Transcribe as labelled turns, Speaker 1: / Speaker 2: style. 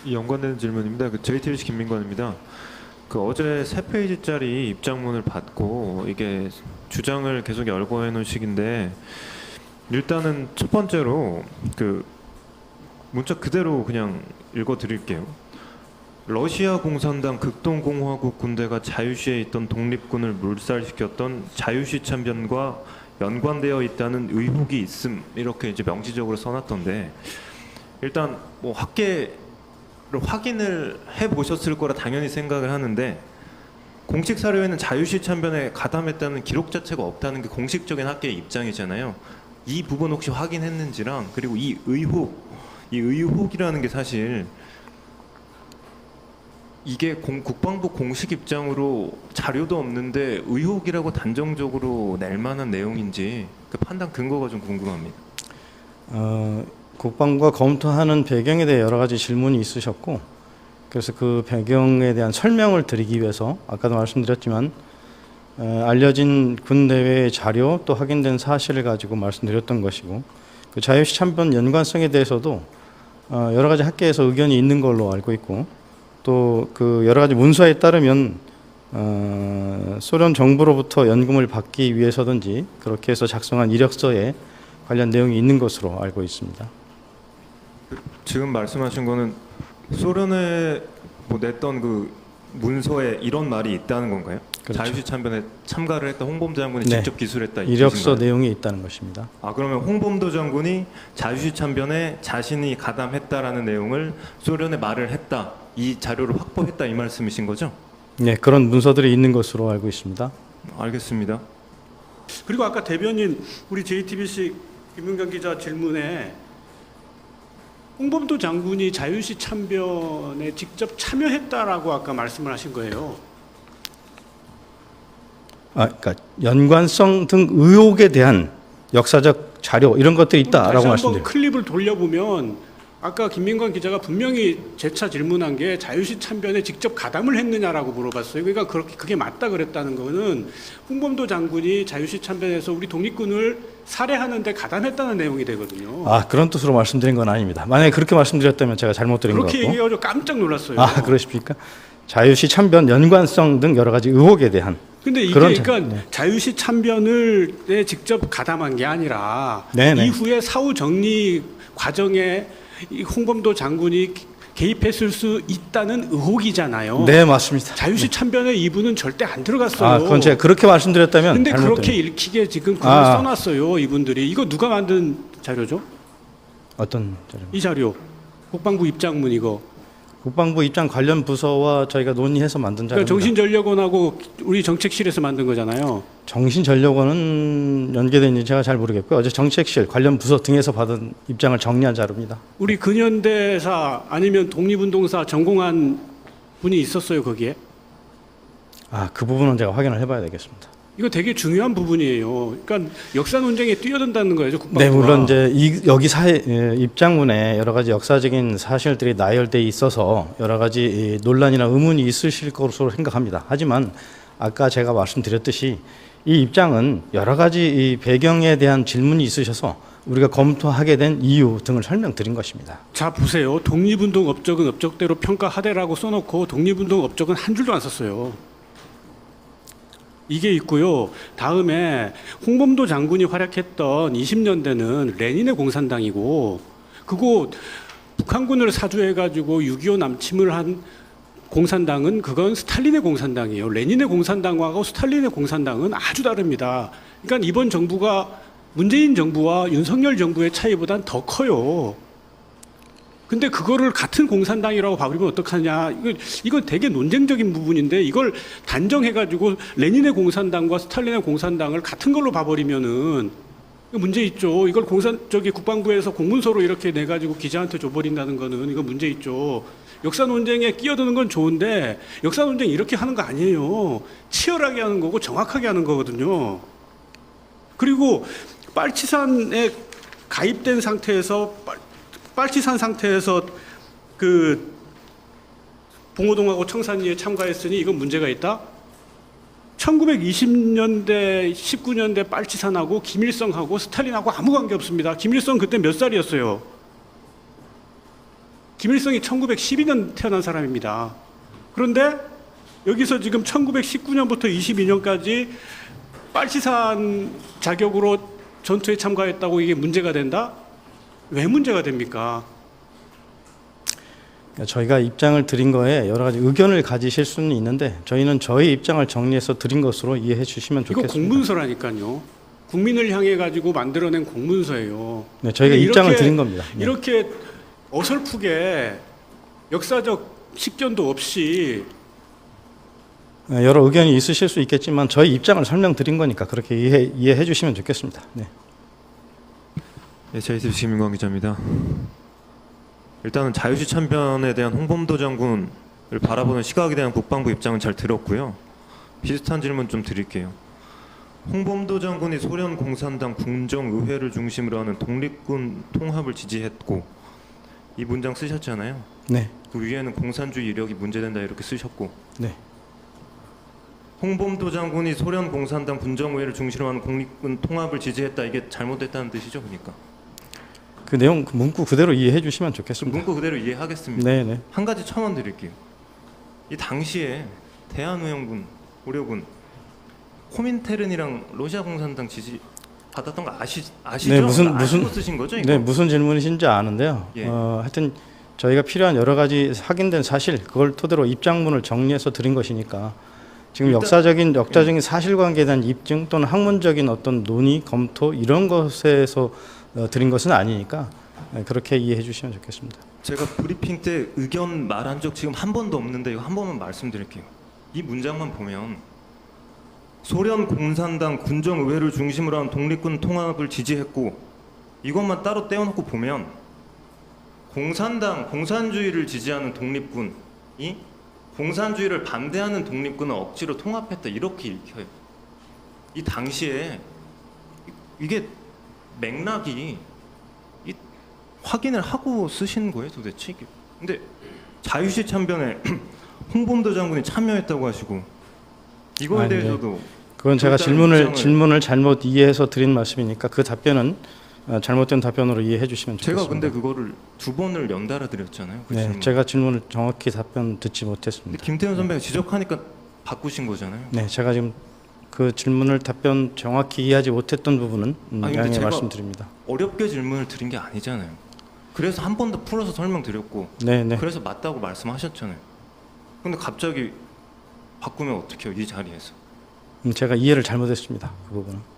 Speaker 1: 연관되는 질문입니다. JTBC 김민관입니다. 어제 3페이지짜리 입장문을 받고 이게 주장을 계속 열거해 놓은 식인데, 일단은 첫 번째로 문자 그대로 그냥 읽어 드릴게요. 러시아 공산당 극동공화국 군대가 자유시에 있던 독립군을 물살시켰던 자유시 참변과 연관되어 있다는 의혹이 있음, 이렇게 이제 명시적으로 써놨던데, 일단 뭐 학계로 확인을 해 보셨을 거라 당연히 생각을 하는데, 공식 사료에는 자유시 참변에 가담했다는 기록 자체가 없다는 게 공식적인 학계의 입장이잖아요. 이 부분 혹시 확인했는지랑, 그리고 이 의혹이라는 게 사실 이게 국방부 공식 입장으로 자료도 없는데 의혹이라고 단정적으로 낼 만한 내용인지 그 판단 근거가 좀 궁금합니다.
Speaker 2: 국방부가 검토하는 배경에 대해 여러 가지 질문이 있으셨고, 그래서 그 배경에 대한 설명을 드리기 위해서 아까도 말씀드렸지만 알려진 군대의 자료 또 확인된 사실을 가지고 말씀드렸던 것이고, 그 자유시 참변 연관성에 대해서도 여러 가지 학계에서 의견이 있는 걸로 알고 있고, 또 그 여러 가지 문서에 따르면 소련 정부로부터 연금을 받기 위해서든지 그렇게 해서 작성한 이력서에 관련 내용이 있는 것으로 알고 있습니다.
Speaker 1: 지금 말씀하신 거는 소련에 냈던 그 문서에 이런 말이 있다는 건가요?
Speaker 2: 그렇죠.
Speaker 1: 자유시 참변에 참가를 했던 홍범도 장군이
Speaker 2: 네.
Speaker 1: 직접 기술했다,
Speaker 2: 이력서 내용이 있다는 것입니다.
Speaker 1: 그러면 홍범도 장군이 자유시 참변에 자신이 가담했다라는 내용을 소련에 말을 했다, 이 자료를 확보했다, 이 말씀이신 거죠?
Speaker 2: 네, 그런 문서들이 있는 것으로 알고 있습니다.
Speaker 1: 알겠습니다.
Speaker 3: 그리고 아까 대변인 우리 JTBC 김윤경 기자 질문에 홍범도 장군이 자유시 참변에 직접 참여했다라고 아까 말씀을 하신 거예요.
Speaker 2: 그러니까 연관성 등 의혹에 대한 역사적 자료 이런 것들이 있다라고
Speaker 3: 다시
Speaker 2: 말씀드립니다.
Speaker 3: 한번 클립을 돌려보면 아까 김민관 기자가 분명히 재차 질문한 게 자유시 참변에 직접 가담을 했느냐라고 물어봤어요. 그러니까 그게 맞다 그랬다는 거는 홍범도 장군이 자유시 참변에서 우리 독립군을 살해하는데 가담했다는 내용이 되거든요.
Speaker 2: 그런 뜻으로 말씀드린 건 아닙니다. 만약에 그렇게 말씀드렸다면 제가 잘못 들은 것
Speaker 3: 그렇게
Speaker 2: 같고.
Speaker 3: 얘기해가지고 깜짝 놀랐어요.
Speaker 2: 그러십니까? 자유시 참변 연관성 등 여러 가지 의혹에 대한.
Speaker 3: 근데 이게 그러니까 자유시 참변을 직접 가담한 게 아니라
Speaker 2: 네네.
Speaker 3: 이후에 사후 정리 과정에 이 홍범도 장군이 개입했을 수 있다는 의혹이잖아요.
Speaker 2: 네, 맞습니다.
Speaker 3: 자유시 참변에 이분은 절대 안 들어갔어요.
Speaker 2: 그건 제가 그렇게 말씀드렸다면
Speaker 3: 근데
Speaker 2: 잘못
Speaker 3: 그렇게
Speaker 2: 들은.
Speaker 3: 읽히게 지금 글을 써놨어요. 이분들이. 이거 누가 만든 자료죠?
Speaker 2: 어떤 자료?
Speaker 3: 이 자료. 국방부 입장문 이거.
Speaker 2: 국방부 입장 관련 부서와 저희가 논의해서 만든 자료입니다.
Speaker 3: 그러니까 정신전력원하고 우리 정책실에서 만든 거잖아요.
Speaker 2: 정신전력원은 연계된지 제가 잘 모르겠고요. 어제 정책실 관련 부서 등에서 받은 입장을 정리한 자료입니다.
Speaker 3: 우리 근현대사 아니면 독립운동사 전공한 분이 있었어요 거기에?
Speaker 2: 그 부분은 제가 확인을 해봐야 되겠습니다.
Speaker 3: 이거 되게 중요한 부분이에요. 그러니까 역사 논쟁에 뛰어든다는 거예요, 국방부가.
Speaker 2: 네, 물론 이제 여기 입장문에 여러 가지 역사적인 사실들이 나열돼 있어서 여러 가지 논란이나 의문이 있으실 것으로 생각합니다. 하지만 아까 제가 말씀드렸듯이 이 입장은 여러 가지 이 배경에 대한 질문이 있으셔서 우리가 검토하게 된 이유 등을 설명드린 것입니다.
Speaker 3: 자 보세요. 독립운동 업적은 업적대로 평가하되라고 써놓고 독립운동 업적은 한 줄도 안 썼어요. 이게 있고요. 다음에 홍범도 장군이 활약했던 20년대는 레닌의 공산당이고, 그거 북한군을 사주해가지고 6.25 남침을 한 공산당은 그건 스탈린의 공산당이에요. 레닌의 공산당하고 스탈린의 공산당은 아주 다릅니다. 그러니까 이번 정부가 문재인 정부와 윤석열 정부의 차이보단 더 커요. 근데 그거를 같은 공산당이라고 봐버리면 어떡하냐. 이거 되게 논쟁적인 부분인데 이걸 단정해가지고 레닌의 공산당과 스탈린의 공산당을 같은 걸로 봐버리면은 문제 있죠. 이걸 국방부에서 공문서로 이렇게 내가지고 기자한테 줘버린다는 거는 이거 문제 있죠. 역사 논쟁에 끼어드는 건 좋은데 역사 논쟁 이렇게 하는 거 아니에요. 치열하게 하는 거고 정확하게 하는 거거든요. 그리고 빨치산에 가입된 상태에서 빨치산 상태에서 그 봉오동하고 청산리에 참가했으니 이건 문제가 있다? 1920년대, 19년대 빨치산하고 김일성하고 스탈린하고 아무 관계 없습니다. 김일성 그때 몇 살이었어요? 김일성이 1912년 태어난 사람입니다. 그런데 여기서 지금 1919년부터 22년까지 빨치산 자격으로 전투에 참가했다고 이게 문제가 된다? 왜 문제가 됩니까?
Speaker 2: 그러니까 저희가 입장을 드린 거에 여러 가지 의견을 가지실 수는 있는데 저희는 저희 입장을 정리해서 드린 것으로 이해해 주시면
Speaker 3: 이거
Speaker 2: 좋겠습니다.
Speaker 3: 공문서라니까요. 국민을 향해 가지고 만들어낸 공문서예요.
Speaker 2: 네, 저희가
Speaker 3: 이렇게-
Speaker 2: 입장을 드린 겁니다. 네.
Speaker 3: 이렇게 어설프게 역사적 식견도 없이
Speaker 2: 여러 의견이 있으실 수 있겠지만 저희 입장을 설명드린 거니까 그렇게 이해해 주시면 좋겠습니다. 네.
Speaker 1: 네, JTBC 김민광 기자입니다. 일단은 자유시 참변에 대한 홍범도 장군을 바라보는 시각에 대한 국방부 입장은 잘 들었고요. 비슷한 질문 좀 드릴게요. 홍범도 장군이 소련 공산당 궁정의회를 중심으로 하는 독립군 통합을 지지했고 이 문장 쓰셨잖아요.
Speaker 2: 네.
Speaker 1: 그 위에는 공산주의 이력이 문제된다 이렇게 쓰셨고
Speaker 2: 네.
Speaker 1: 홍범도 장군이 소련 공산당 군정의회를 중심으로 하는 독립군 통합을 지지했다 이게 잘못됐다는 뜻이죠, 그러니까.
Speaker 2: 그 내용 그 문구 그대로 이해해 주시면
Speaker 1: 좀
Speaker 2: 좋겠습니다.
Speaker 1: 문구 그대로 이해하겠습니다.
Speaker 2: 네, 네.
Speaker 1: 한 가지 첨언 드릴게요. 이 당시에 대한우영군, 우려군, 코민테른이랑 러시아 공산당 지지 받았던 거 아시죠?
Speaker 2: 네, 무슨
Speaker 1: 아시고 쓰신 거죠? 이거?
Speaker 2: 네, 무슨 질문이신지 아는데요.
Speaker 1: 예.
Speaker 2: 하여튼 저희가 필요한 여러 가지 확인된 사실 그걸 토대로 입장문을 정리해서 드린 것이니까 지금 역사적인 사실관계에 대한 입증 또는 학문적인 어떤 논의 검토 이런 것에서 드린 것은 아니니까 그렇게 이해해 주시면 좋겠습니다.
Speaker 1: 제가 브리핑 때 의견 말한 적 지금 한 번도 없는데 이거 한 번만 말씀드릴게요. 이 문장만 보면 소련 공산당 군정의회를 중심으로 한 독립군 통합을 지지했고 이것만 따로 떼어놓고 보면 공산주의를 지지하는 독립군이 공산주의를 반대하는 독립군을 억지로 통합했다 이렇게 읽혀요. 이 당시에 이게 맥락이 확인을 하고 쓰신 거예요 도대체 이게. 근데 자유시 참변에 홍범도 장군이 참여했다고 하시고 이거에
Speaker 2: 네.
Speaker 1: 대해서도
Speaker 2: 그건 제가
Speaker 1: 일단은
Speaker 2: 질문을 잘못 이해해서 드린 말씀이니까 그 답변은 잘못된 답변으로 이해해 주시면 좋겠습니다.
Speaker 1: 제가 근데 그거를 두 번을 연달아 드렸잖아요. 그
Speaker 2: 네,
Speaker 1: 질문.
Speaker 2: 제가 질문을 정확히 답변 듣지
Speaker 1: 근데
Speaker 2: 못했습니다.
Speaker 1: 김태현 선배가 지적하니까 바꾸신 거잖아요.
Speaker 2: 네, 제가 지금 그 질문을 답변 정확히 이해하지 못했던 부분은
Speaker 1: 아니, 근데
Speaker 2: 양해
Speaker 1: 제가
Speaker 2: 말씀드립니다.
Speaker 1: 어렵게 질문을 드린 게 아니잖아요. 그래서 한 번 더 풀어서 설명드렸고
Speaker 2: 네, 네.
Speaker 1: 그래서 맞다고 말씀하셨잖아요. 근데 갑자기 바꾸면 어떡해요 이 자리에서.
Speaker 2: 제가 이해를 잘못했습니다. 그 부분은.